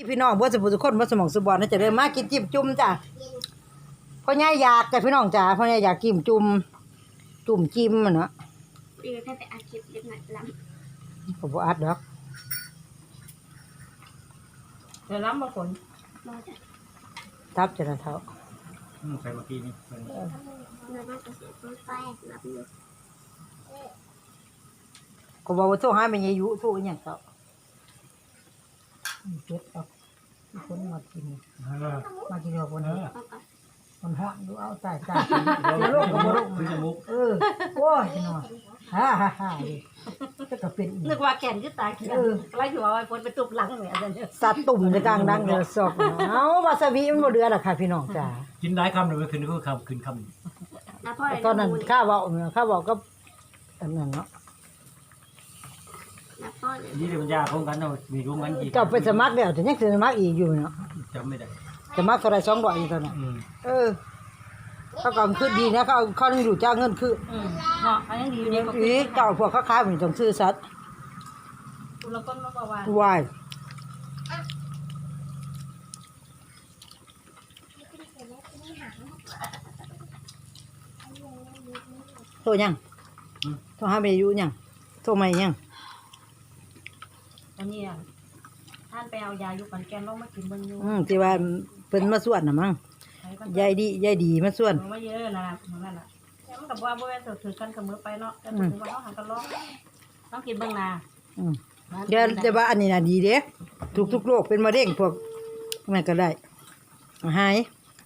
พี่น้องบ่สมบูรณ์ทุกคนบ่สมองสุบอนน่าจะเริ่มมากินจิ้มจุ่มจ้ะพ่อใหญ่อยากจ้ะพี่น้องจ้ะพ่อใหญ่อยากกินจุ่มจิ้มมันเนาะถ้าไปอาชีพเล็กหน่อยล้ำก็บ่อัดดอกเดี๋ยวล้ำมาฝนมอจะทับจะเท่าใส่เมื่อกี้นี่เราต้องเกษตรต้นไฟรับอยู่ก็บอกว่าโทรหาแม่ยายยุโทรอีหยังเท่าเก็บเอาคนมากินเอาคนนี้มันฮ้อนดูเอาใส่เดี๋ยวลงก็บ่ลงโอ้ยน้อยฮ่าก็เป็นนึกว่าแก่นคือตาเขียวไล่อยู่เอาไอ้ฝนไปตุบหลังเนี่ยอันนี้สัตว์ตุ่มในกลางดังเด้อซอกเอาวาซาบิมันบ่เดือดล่ะค่ะพี่น้องจ้ากินได้คำหนึ่งขึ้นคือคำขึ้นคำตอนนั้นข้าเว้าก็อันนั้นเนาะนี่เดี๋ยวมันยาของกันเนาะมีร่วมกันอีกเจ้าไปสมัครแล้วแต่ยังสิสมัครอีกอยู่เนาะจำไม่ได้สมัครเท่าไหร่200อยู่ตอนนั้นเขาก็คือดีนะเขาต้องอยู่จ้างเงินคือเนาะอันยังดีเนี่ยก็อีเจ้าพวกเขาขายมันต้องซื้อสัตว์คุณละคนมาบอกว่าวายโทรยังโทรหาแม่อยู่ยังโทรมายังอันนี้ท่านไปเอายาอยู่ปันแกนลงมากินเบิ่งอยู่ที่ว่าเพิ่นมาสวดน่ะมั้งยายดีมาสวดมาเยอะนะนั่นน่ะมันก็บ่ว่าบ่แม่นถือกันกับมือไปเนาะแต่ถือว่าเฮาหันกันร้องต้องกินเบิ่งนาเดี๋ยวแต่ว่าอันนี้น่ะดีเด้ทุกโรคเป็นมะเร็งพวกมันก็ได้หาย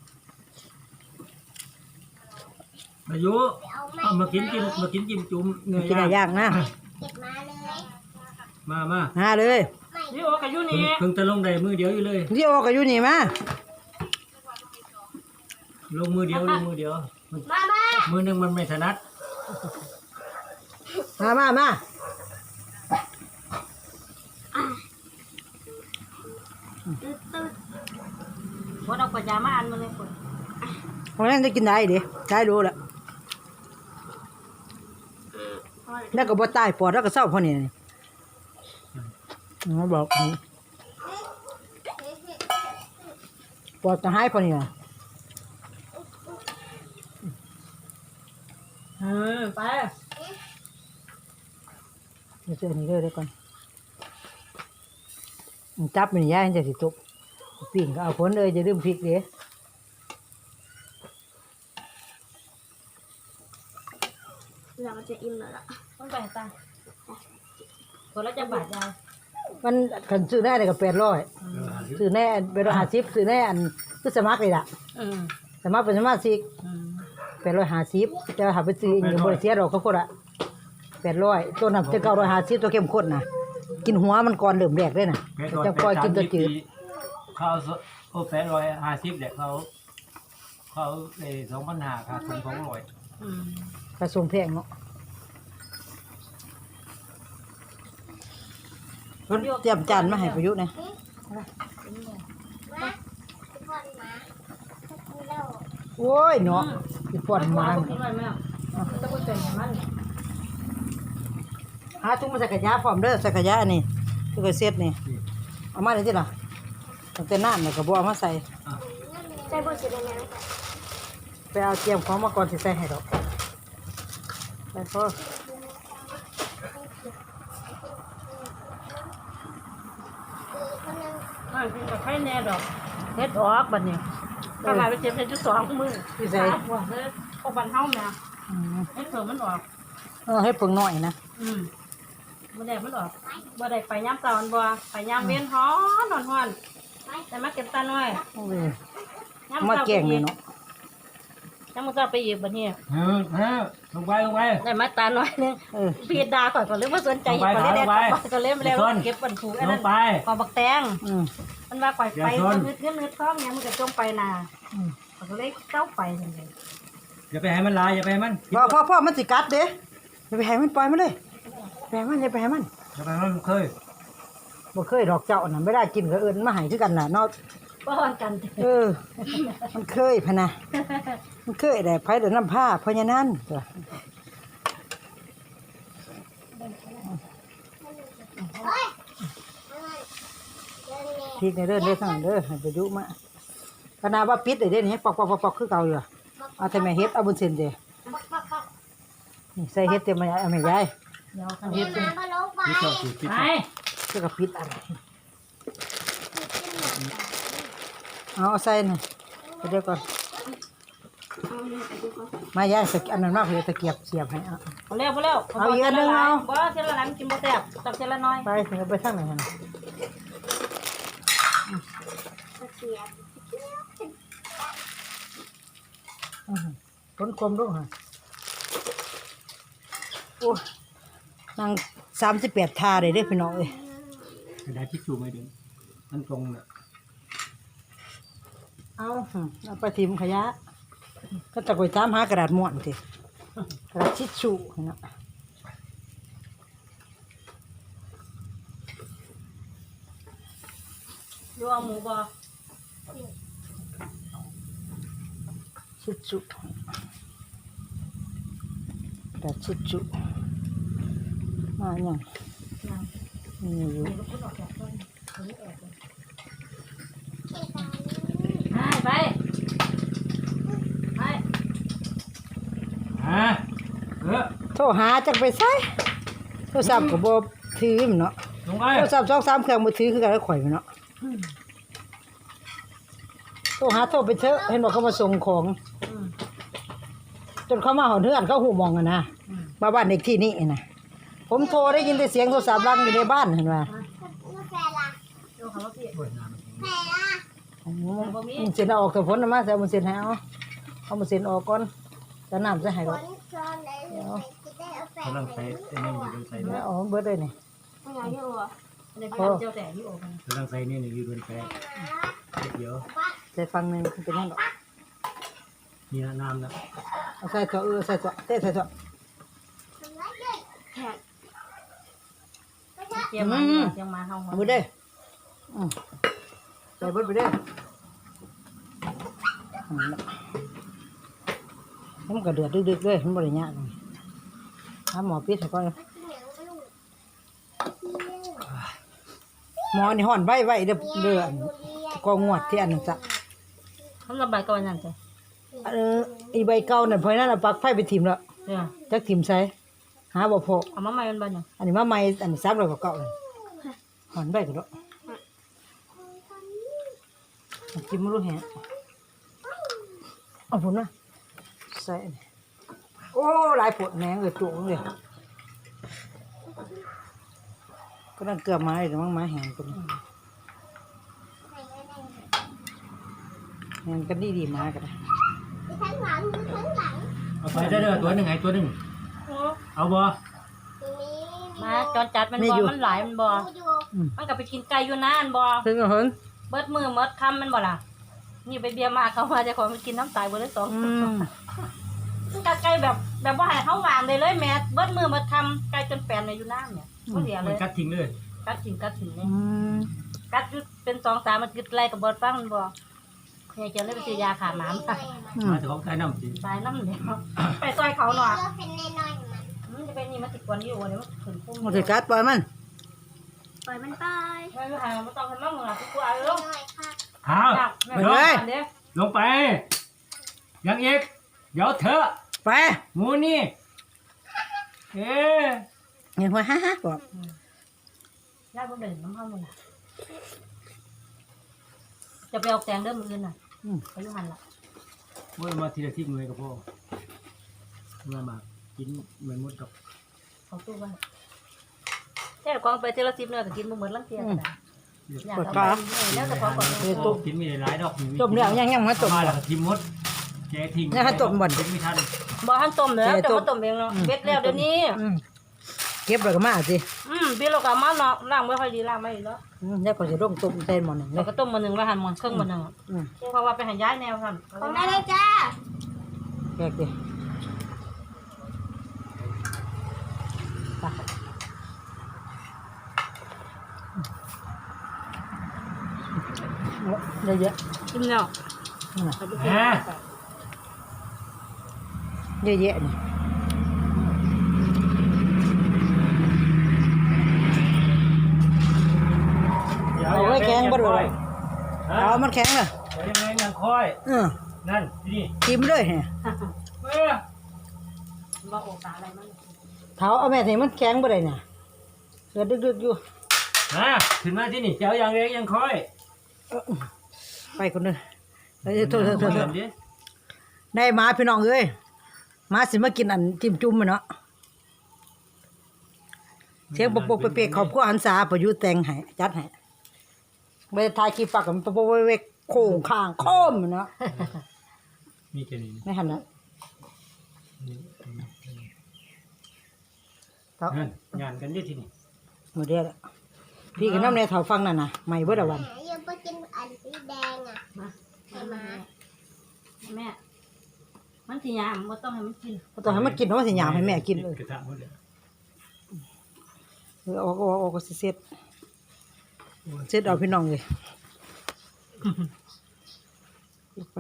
อายุมากินจิ้มจุ่มเนื้อย่างย่างนะเก็บมาเลยมาหาเลยนี่โอ้ก็อยู่นี่เพิ่งจะลงได้มือเดียวอยู่เลยนี่โอ้ก็อยู่นี่มาลงมือเดียวมือหนึ่งมันไม่ถนัดมาฝนเอาปัญญามาอันมาเลยฝนวันนั้นจะกินได้ดิได้รู้ละแล้วก็บ่ตายปอดแล้วก็เศร้าพอนี่เขาบอกปอดจะหายพอนี่ไปเดี๋ยวเจอนี่เลยก่อนจับมันย่างจะสิตุกปิ่งก็เอาผลเลยจะลืมพริกเด้เราจะอิ่มแล้วล่ะต้องไปตาคนละจะบาดยาวมันขันซื้อแน่เลยกับ800ซื้อแน่850ซื้อแน่อันคือสมัครเลยล่ะสมัครเป็นสมาชิก850จะหาไปซื้ออย่างบริเสียดอกเขาโคตรอะ800ตัวนั้นจะ950ตัวเข้มข้นนะกินหัวมันก่อนเริ่มแรกเลยนะจะปล่อยกินตัวจืดเขา850เด็กเขา2,500ค่าส่ง200 กระทรวงแพงเนาะเตรียมจานมาให้ประยุทธ์นะโอ้ยเนาะอีปอดมาหาถุงมาใส่กระยาพร้อมเด้อใส่กระยาอันนี้ถุงกระเซ็ตนี่เอามาได้ที่ล่ะตั้งแต่น้ำเนี่ยกระบอกมาใส่ใส่บุษราไปเอาเตรียมของมาก่อนสิใส่ให้ดอกไปพ่อกินกับไข่แน่ดอกเฮ็ดออกบัดนี้ถ้าหลายไปเจ็บเฮ็ดจุด2มื้อที่ใส่หัวเด้อโอ้บันเฮาแม่เฮ็ดเพิ่มมันออกให้เพิ่งหน่อยนะบ่ได้มันออกบ่ได้ไปยามเช้าบ่ไปยามเว้นฮ้อนแต่มาเก็บตาน้อยมาแกงนี่เนาะยังมันก็ไปอีกบัดนี้ลงไปได้มาตาน้อยนึงพี่ดาก่อนเลยบ่สนใจก็เลยได้ก็เลยมาแล้วเก็บบันผูกอันนั้นขอบักแตงมันว่าปล่อยไปนึดท้องเนี่ยมันก็จมไปนาก็เลยเจ้าไปจังได๋อย่าไปให้มันลายอย่าไปให้มันพ่อมันสิกัดเด้อย่าไปให้มันปล่อยมันเลยแปลงมันอย่าไปให้มันอย่าไปให้มันเคยบ่เคยดอกเจ้าน่ะไม่ได้กินก็เอิ้นมาให้คือกันน่ะเนาะป้อนกันมันเคยพะนะมันเคยได้ไผเดินน้ำผ้าเพราะฉะนั้นพริกในเด้อทั้งนั้นเด้อให้ประยุมาขนาดว่าปิดได้เด้นี่ปอกๆๆๆคือเก่าอยู่เอาแต่แม่เฮ็ดเอาบุญเส้นเด้นี่ใส่เฮ็ดเต็มเอาแม่ยายเดี๋ยวคันเดี๋ยวมาก็ลงไปที่ชอบสูตรที่ไปเจ้าก็ปิดอะไรเอาใส่นี่เดี๋ยวก่อนเอาเนี่ยไปดูก่อนมายายอันนั้นมากเลยตะเกียบเสียบให้เอาพอแล้วเอาอีกอันหนึ่งเอาบ่เท่าละหลังกินบ่แซ่บตักเท่าละน้อยไปถึงไปทางไหนหั่นน่ะตะเกียบต้นกลมลูกฮะโอ้นาง38 ทาเลยเด้อพี่น้องเอ้ยกระดาษทิชชู่ไม่ดึงมันตรงน่ะเอาไปทิมขยะก็ตะกอยตามหากระดาษม้วนสิกระดาษทิชชู่เนาะอยู่เอาหมูบ่ทิชชู่กระดาษทิชชู่มาอย่างนี่อยู่ไปโทรหาจักไปใช้โทรศัพท์ก็บ่ถือมันเนาะลงไปโทรศัพท์2-3เครื่องบ่ถือคือกันแล้วข่อยมันเนาะโทรหาโทรไปเถอะเห็นบอกเขามาส่งของจนเขามาหอนเฮือนเขาหูมองกันนะมาบ้านเด็กที่นี่นะผมโทรได้ยินแต่เสียงโทรศัพท์ดังอยู่ในบ้านเห็นไหมกาแฟล่ะเดี๋ยวเขาว่าพี่แฟล่ะมันเสียนเอาออกแต่ผลนะมาแต่มันเสียนให้เอามันเสียนออกก่อนจะน้ำจะให้ฝก่อนนชนไหนจะได้เอาแฟกำลังใส่ไอ้นี่อยู่บนใส่แล้วเอาเบิดเลยนี่ไม่อยากอยู่อ่ะในบ้านเจ้าแต่อยู่ออกกันกำลังใส่นี่อยู่บนแปะเดี๋ยวใส่ฟังหนึงเป็นยังดอกนี่น้ำนะเอาใส่เถอะใส่เถอะเตะใส่เถอะแขกเตรียมมาเตรียมมาเฮาเอาเบิดเด้อใส่เบิดไปเด้อมันก็เดือดดึกๆเลยมันบริญญาณถ้าหมอปิดให้ก่อนหมอนี่ห่อนไว้เด้อก็งวดที่อันนั้นจ้ะทำระบายก่อนนั่นจ้ะอีใบเก่านั่นเพราะนั้นเอาปลั๊กไฟไปถิ่มแล้วเดี๋ยวจักถิ่มใส่หาบ่พอเอามาใหม่มันบ้านยังอันนี้มาใหม่อันนี้300กว่าเก่าเลยห่อนไว้ก็ดอกจิ้มบ่รู้แฮะเอาพุ่นนะใส่นี่โอ้หลายปวดแหนงเลยจุกเลยก็นั่นเกือบมาเลยมั้งมาแหงกันแหงกันดีๆมากันนะข้างหลังข้างหลังเอาไปได้เลยตัวหนึ่งไงตัวหนึ่งเอาบ่ตรงนี้มาจอนจัดมันบ่มันหลายมันบ่อยู่มันก็ไปกินไก่อยู่นานบ่ถึงเอาเหิงเบิดมือเบิดคำมันบ่ล่ะนี่ไปเบียร์มาเขามาจะขอมันกินน้ำตายเบิดเลย2 มันกัดไก่แบบว่าให้เขาวางเลยแม่เบิดมือมาทำไก่จนแปลนในอยู่น้ำเนี่ยเขาเสียเลมันยกัดทิ้งเลยกัดถิ่นเนี่ยกัดอยู่เป็น2-3มันกึดไล่กับเบิดฟังมันบ่เนี่ยจะเลยไปซื้อยาขาหมามามาถึงของใส่น้ำสิตายน้ำเดียวไปซอยเขาหน่อยก็เป็นน้อยๆมันมันจะเป็นนี่มันติดกวนอยู่เดี๋ยวมันขึ้นพุ่งมันสิกัดปล่อยมันปล่อยมันไปไม่ไม่ไม่ต้องทำมั่งมึงอ่ะกูกลัวเออน้อยค่ะหาไม่ได้เดี๋ยวลงไปยังอีกเดี๋ยวเถอะไปหมูนี่เอ๊ะเห็นหัวฮ่าบอกญาติบ่เด่นน้ำเข้าเลยจะไปเอาแตงเริ่มมือน่ะไปยุหันละว่ามาทีละที่มือกับพ่อมากินเหมือนมดกับเขาตู้ไว้แค่กองไปเทละ10เนื้อก็กินบ่เหมือนลังเทียกันอยากเอาไปแล้วแต่พอก่อนต้มกินมีหลายดอกจมแล้วยังมาจมมาแล้วก็ทิมมดแกทิ้งไม่ทันบ่ทันต้มแล้วแต่ว่าต้มเองเนาะเบ็ดแล้วเดี๋ยวนี้เก็บแล้วก็มาสิเบ็ดเราก็มาเนาะล้างไม่ค่อยดีล้างไม่ดีแล้วแล้วก็จะร่มต้มใจหมอนหนึ่งเลเรายก็ต้มมื้อนึงแล้วหั่นหมอนครึ่งมื้อนึงเพราะว่าไปหันย้ายแนวหั่นของได้เลยจ้าแกดิเยอะกินแล้วๆเยอะๆนี่เอาไว้แกงบ่โดดฮะเอามันแข็งเลยเดี๋ยวยังไงยังค่อย นั่นนี่กิมเลยเนี่ยเออว่าโอกาสอะไรมันเท้าเอาแม่ที่มันแข็งบ่ได้เนี่ยเกิดดึกๆอยู่ขึ้นมาที่นี่เจ้ายังเล็กยังค่อยไปคนนึงโทษเริ่มดิได้มาพี่น้องเอ้ยมาสิมากินอันจิ้มจุ่มมันเนาะเสียงปกๆเป๊กๆขอบคุณหันษาประยุทธ์แต่งให้จัดให้ไม่ได้ถ่ายคลิปฝากกับมันปกๆเวกโค้งข้างโค้มเนาะมีแค่นี้ไม่หันนะเท่านั่นงานกันดิที่นี่หมดเดียวแล้วพี่กับน้ำในเถาฟังนั่นน่ะไม่เบิดละวันยังไปกินอันสีแดงอ่ะมาแม่มันสิยามบ่ต้องให้มันกินตอนให้มันกินเนาะสิหยามให้แม่กินเลยกระทะหมดเลยออกก็สิเสร็จเอาพี่น้องเลยไป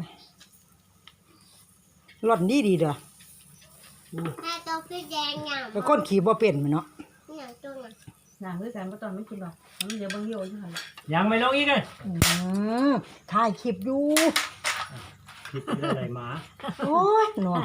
ร่อนดีเด้อแม่ตัวสีแดงอย่างแต่คนขี่บ่เป็นมันเนาะอย่างตัวน่ะนางด้วยกันบ่ต้องมันกินหรอกมันเดี๋ยวเบิ่งโยอยู่หั่นล่ะยังไม่ลงอีกเลยถ่ายคลิปอยู่ผิดอะไรหมาโอ้ยหนอ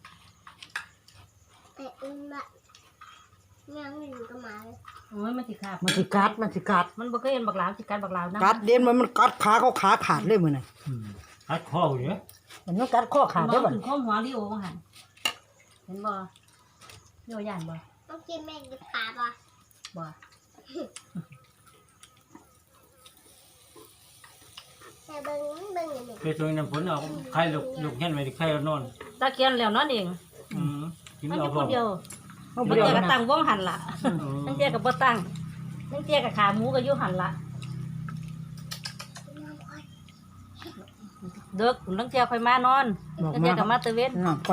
แต่อุ้มละยังหนึ่งก็มาเลยโอ้ยมันสิขาดมันสิกัดมันบ่เคยเห็นบักหลาวสิกัดบักหลาวนะกัดเด่นมันกัดขาเขาขาขาดเลยมื้อน่ะคัดข้ออยู่เนี่ยมันกัดข้อขาดบ่ได้อบัดถึงข้อหัวลิโอว่าหั่นเห็นบ่โยย่านบ่ต้องกินแม่กินปลาป่ะบ่แต่เบิ้งอย่างนี้เคยชวนน้ำฝนเอาใครลูกเห็นไว้ใครนอนตะเคียนแล้วนอนเองกินมันอเอายู่พคอนเดียวเอาบางเดียวเทียก็นะตั้งวงหันละบางเทียก็บ่ตั้งบางเทียก็ขาหมูก็อยู่หันละเด็กบางเทียค่อยมานอนบางเทียก็มาตะเวนนอนก่อน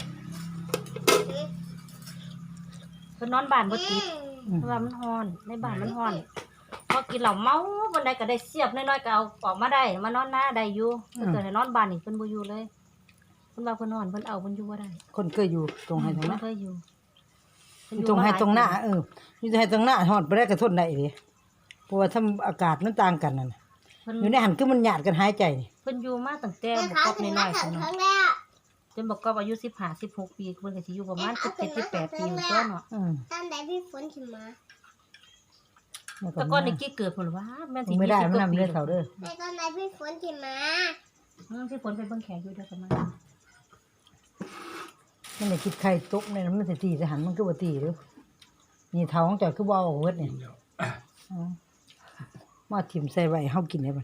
เพิ่นนอนบ้านบ่ติดเพราะว่ามันร้อนในบ้านมันร้อนพอกินเหล้าเมาบ่ได้ก็ได้เสียบน้อยๆก็เอาออกมาได้มานอนหน้าได้อยู่ถ้าเกิดให้นอนบ้านนี่เพิ่นบ่อยู่เลยเพิ่นว่าเพิ่นนอนเพิ่นเอาเพิ่นอยู่บ่ได้คนเคยอยู่ตรงให้ตรงเพิ่นั้นนเคยอยู่ตรงให้ตรงหน้าอยู่ให้ตรงหน้าฮอดบ่ได้กระทนได้เด้เพราะว่าทำอากาศมันต่างกันนั่นน่ะเพิ่นอยู่ในหันคือมันหยาดกันหายใจนี่เพิ่นอยู่มาตั้งแต่แต่บ่เขากอบถึงน้มาอยๆถึพุ่นงเนาะครั้งแล้วจนบอกก็อายุ15 16ปีเพิ่นก็สิอยู่ประมาณ17 18ปีอยู่ตัวเนาะตอนไหนพี่ฝนถึงมาแต่ก่อนนี่กี้เกิดพุ่นว่าแม่นสิไม่ได้มัน 20 นำเด้อเฒ่าเด้อแต่ตอนไหนพี่ฝนถึงมาที่ฝนไปเบิ่งแขกอยู่เด้อประมาณมันได้คิดไข่ตกในนั้นมันสิตีสิหันมันคือบ่ตีเด้อนี่เฒ่าของเจ้าคือบ่เอาเบิดนี่มาถิ่มใส่ไว้เฮากินได้บ่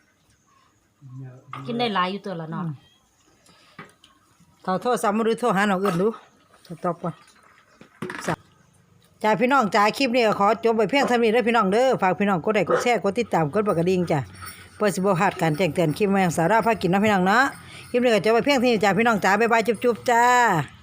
กินได้หลายอยู่ตัวละเนาะเฒ่าโทรศัพท์มาดูโทรหาน้องอื่นดูตอบก่อนจ้าพี่น้องจ้าคลิปนี้ก็ขอจบไว้เพียงเท่านี้เด้อพี่น้องเด้อฝากพี่น้องกดไลค์กดแชร์กดติดตามกดกระดิ่งจ้ะเพื่อสิบ่พลาดการแจ้งเตือนคลิปใหม่ของสาระพากินเนาะพี่น้องเนาะคลิปนี้ก็จบไว้เพียงเท่านี้จ้าพี่น้องจ้าบ๊ายบายจุ๊บๆจ้า